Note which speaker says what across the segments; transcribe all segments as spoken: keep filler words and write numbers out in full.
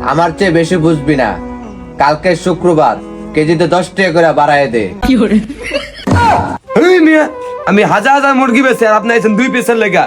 Speaker 1: আমার চেয়ে বেশি বুঝবি না। কালকে শুক্রবার, কেজিতে দশ টাকা করে বাড়ায় দে।
Speaker 2: এই মিয়া, আমি হাজার হাজার মুরগি বেছে আর আপনি আইছেন দুই পিসের লেগা।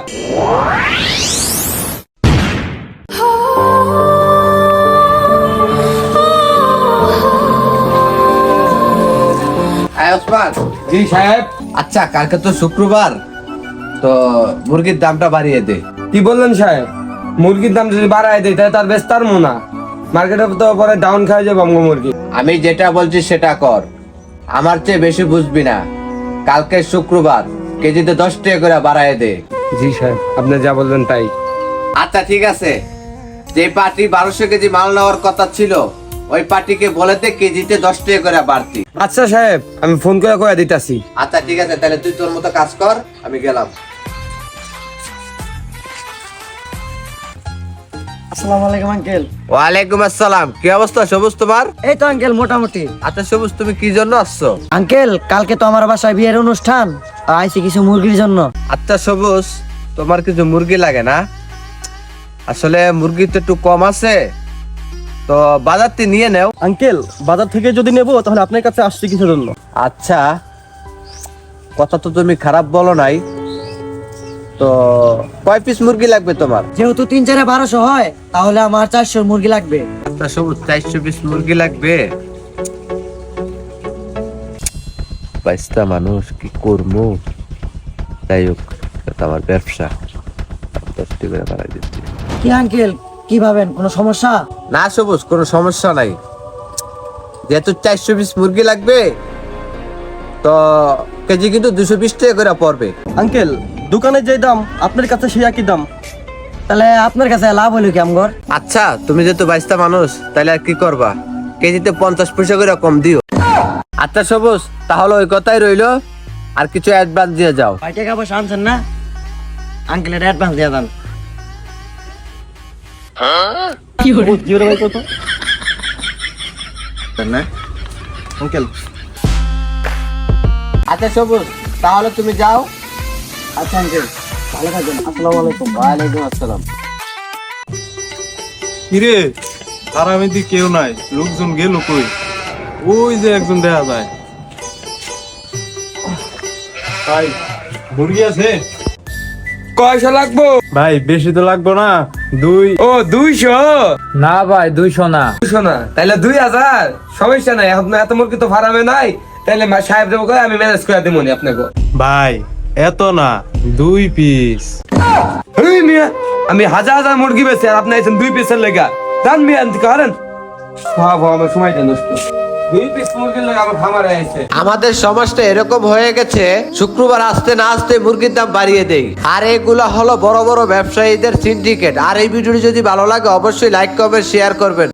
Speaker 1: আয় ওসমান।
Speaker 2: জি সাহেব।
Speaker 1: আচ্ছা, কালকে তো শুক্রবার, তো মুরগির দামটা বাড়িয়ে দে।
Speaker 2: কি বললেন সাহেব? মুরগির দাম যদি বাড়ায় দেয় তাহলে তার বেশ তার মোনা মার্কেটে তো পরে ডাউন খাই যাবো আমগো মুরগি।
Speaker 1: আমি যেটা বলছি সেটা কর, আমার চেয়ে বেশি বুঝবি না। কালকে শুক্রবার, কেজিতে দশ টাকা করে বাড়ায় দে।
Speaker 2: জি সাহেব, আপনি যা বলবেন তাই।
Speaker 1: আচ্ছা ঠিক আছে, যে পার্টি বারোশো কেজি মাল নেওয়ার কথা ছিল ওই পার্টিকে বলে দে কেজিতে দশ টাকা করে বাড়তি।
Speaker 2: আচ্ছা সাহেব, আমি ফোন করে কয়ে দিতাছি।
Speaker 1: আচ্ছা ঠিক আছে, তাহলে তুই তোর মতো কাজ কর, আমি গেলাম।
Speaker 3: আসসালামু আলাইকুম আঙ্কেল।
Speaker 1: ওয়ালাইকুম আসসালাম। কি অবস্থা সবুজ তোমার?
Speaker 3: এই তো আঙ্কেল মোটামুটি।
Speaker 1: আচ্ছা সবুজ, তুমি কি জন্য আসছো?
Speaker 3: আঙ্কেল, কালকে তো আমার বাসায় বিয়ের অনুষ্ঠান, আর আইছি কিছু মুরগির জন্য।
Speaker 1: আচ্ছা সবুজ, তোমার কিছু মুরগি লাগে না? আসলে মুরগি তো একটু কম আছে, তো বাজার থেকে নিয়ে নেও।
Speaker 4: আঙ্কেল, বাজার থেকে যদি নেবো তাহলে আপনার কাছে আসছি কিছুর জন্য।
Speaker 1: আচ্ছা, কথা তো তুমি খারাপ বলো নাই, তো কয় পিস মুরগি লাগবে তোমার?
Speaker 3: যেহেতু তিন চারে বারোশো হয়, তাহলে আমার চারশো মুরগি লাগবে।
Speaker 1: আচ্ছা সবুজ, চারশো পিস মুরগি লাগবে। বাইশটা মানুষ কি করবো, যাই হোক, এটা আমার ব্যবসা, দশটি করে বাড়াই দিচ্ছি।
Speaker 3: কি আঙ্কেল, কি ভাবেন, কোনো সমস্যা?
Speaker 1: না সবুজ, কোনো সমস্যা নাই। যেহেতু চারশো পিস মুরগি লাগবে, তো কেজি কিন্তু দুশো বিশ টাকা করে পড়বে।
Speaker 4: আঙ্কেল, দোকানে যে দাম আপনার কাছে সেই একই দাম।
Speaker 3: তাহলে আপনার কাছে লাভ হলো কি আমগর?
Speaker 1: আচ্ছা, তুমি যেহেতু বাইশটা মানুষ, তাহলে আর কি করবা, কেজিতে পঞ্চাশ পয়সা করে কম দিও। আচ্ছা সবুজ, তাহলে ওই কথাই রইলো, আর কিছু অ্যাডভান্স দিয়ে যাও।
Speaker 3: ভাই টাকা পয়সা আনছেন না, আঙ্কেলের অ্যাডভান্স দিয়ে দেন।
Speaker 4: কি হলো ভাই, কত না আঙ্কেল?
Speaker 1: আচ্ছা সবুজ, তাহলে তুমি যাও।
Speaker 3: আচ্ছা আঙ্কেল, ভালো থাকবেন। আসসালামু আলাইকুম।
Speaker 1: ওয়ালাইকুম আসসালাম।
Speaker 5: কিরে, আরামে দি কেউ নাই, লোকজন গেল কই? ওই যে একজন দেখা যায়। ভাই, মুরগি আছে?
Speaker 2: কয়শো লাগবো
Speaker 5: ভাই বেশি তো লাগবো না, দুই।
Speaker 2: ও দুইশো?
Speaker 6: না ভাই, দুইশো না।
Speaker 2: দুইশো না, তাহলে দুই হাজার। সমস্যা নাই, এখন এত মুরগি তো ফার্মে নাই, তাহলে মা- সাহেব দেবো করে আমি ম্যানেজ করে দেবো আপনাকে।
Speaker 5: ভাই এত না, দুই পিস।
Speaker 2: এই মিয়া, আমি হাজার হাজার মুরগি বেছে আর আপনি আইছেন দুই পিসের লেগা। দান মিয়া, আনতে কারেন ভাব আমার সময় দেন দোস্ত। দুই পিস মুরগির লেগা আমার খামারে আইছে।
Speaker 1: আমাদের সমাজটা এরকম হয়ে গেছে, শুক্রবার আসতে না আসতে মুরগির দাম বাড়িয়ে দেই। আর এগুলো হলো বড় বড় ব্যবসায়ীদের সিন্ডিকেট। আর এই ভিডিওটি যদি ভালো লাগে অবশ্যই লাইক কমেন্ট শেয়ার করবেন।